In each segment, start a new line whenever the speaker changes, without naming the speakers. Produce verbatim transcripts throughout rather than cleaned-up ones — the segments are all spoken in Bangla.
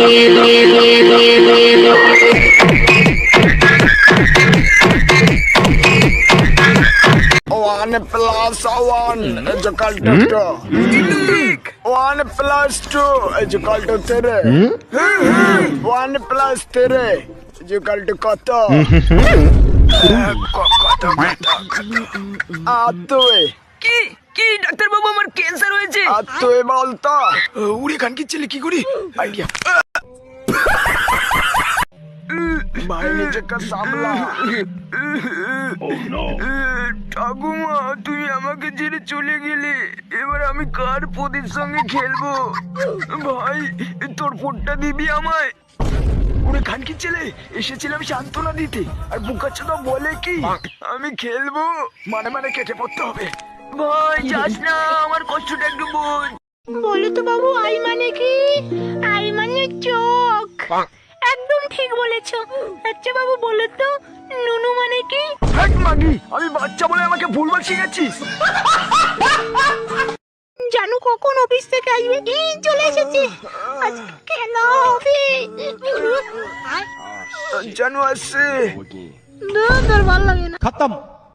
One plus one is equal to two. One plus two is equal to three. One plus three is equal to কত? কত কত? আর তুই
কি কি ডাক্তার বাবু আমার ক্যান্সার হয়েছে।
আর তুই বলতো উড়ে গান কি ছেলে কি করি আইডিয়া ভাই নিজেকে সামলা।
ঠাকুমা তুই আমাকে ছেড়ে চলে গেলে, এবার আমি কার পদের সঙ্গে খেলবো? ভাই তোর ফোনটা দিবি আমায়।
উড়ে গান কি ছেলে এসেছিলাম সান্ত্বনা দিতে, আর বুকাচ্ছে তো বলে কি আমি খেলবো মানে মানে কেটে পড়তে হবে।
ভাই যাস না, আমার কষ্টটা একটু বোঝ।
বলো তো বাবু, আই মানে কি? আই মানে চোখ। একদম ঠিক বলেছো। আচ্ছা বাবু বলো তো, নুনু মানে কি?
হ্যাট মাগি, আমি বাচ্চা বলে আমাকে ভুলভাল শিখাচ্ছিস।
জানু কখন অফিস থেকে আসবে? এই চলে এসেছি। আজকে কেন অফিস?
জানু আসছে।
তোর ভালো লাগে না।
खत्म।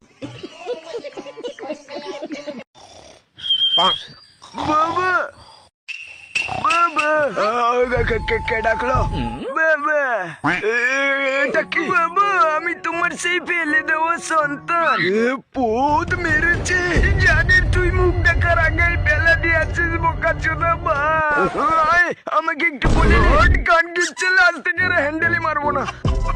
বাবা বাবা কে কে ডাকলো? বাবা এটা কি?
বাবা আমি তোমার সেই ফেলে দেওয়া সন্তান।
পোদ মেরেছে।
জানে তুই মুখ দেখার আগে বেলা দিয়েছিস বোকা চোদা। ভাই আমাকে একটু বলে দে।
গান গিচ্ছে লাস্ট থেকে হ্যান্ডেলই মারবো না।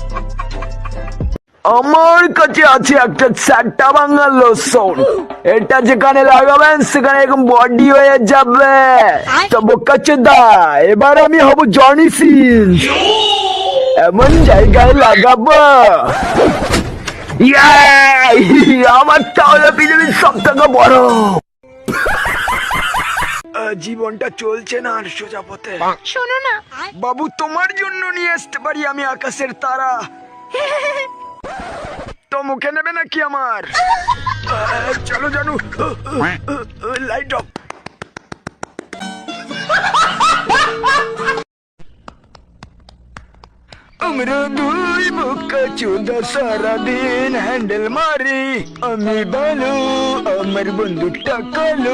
আমার কাছে আছে একটা চারটা ভাঙা লোশন, এটা যেখানে লাগাবেন সেখানে একদম বডি হয়ে যাবে। তো বোকাচোদা এবার আমি হব জনি সিন, এমন জায়গায় লাগাবো ইয়াই, আমার তাহলে পৃথিবীর সব থেকে বড়। জীবনটা চলছে না আর সোজা পথে।
শোনো না
বাবু তোমার জন্য নিয়ে আসতে পারি আমি আকাশের তারা, তো মুখে নেবে নাকি আমার? চলো জানু লাইট অফ। আমরা দুই বোকা চোদা সারাদিন হ্যান্ডেল মারি, আমি ভালো আমার বন্ধুটা কালো।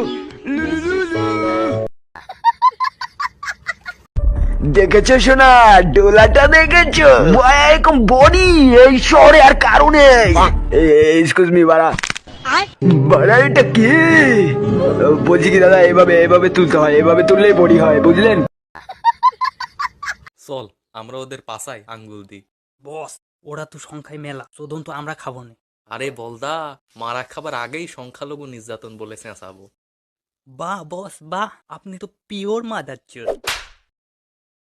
দেখেছো শোনা, ডোলাটা দেখেছো? এরকম বডি এই শহরে আর কারণে। এক্সকিউজ মি বাড়া, বাড়া এটা কি? বলছি কি দাদা, এভাবে এভাবে তুলতে হয়, এভাবে তুললেই বডি হয়, বুঝলেন?
চল আমরা ওদের পাশায় আঙ্গুল দিই।
বস ওরা তো সংখ্যায় মেলা, শোধন তো আমরা খাবো না।
আরে বলদা, মারা খাবার আগেই সংখ্যালঘু নির্যাতন বলে চেঁচাবো।
বাহ বস বাহ, আপনি তো পিওর মাদার চোদ।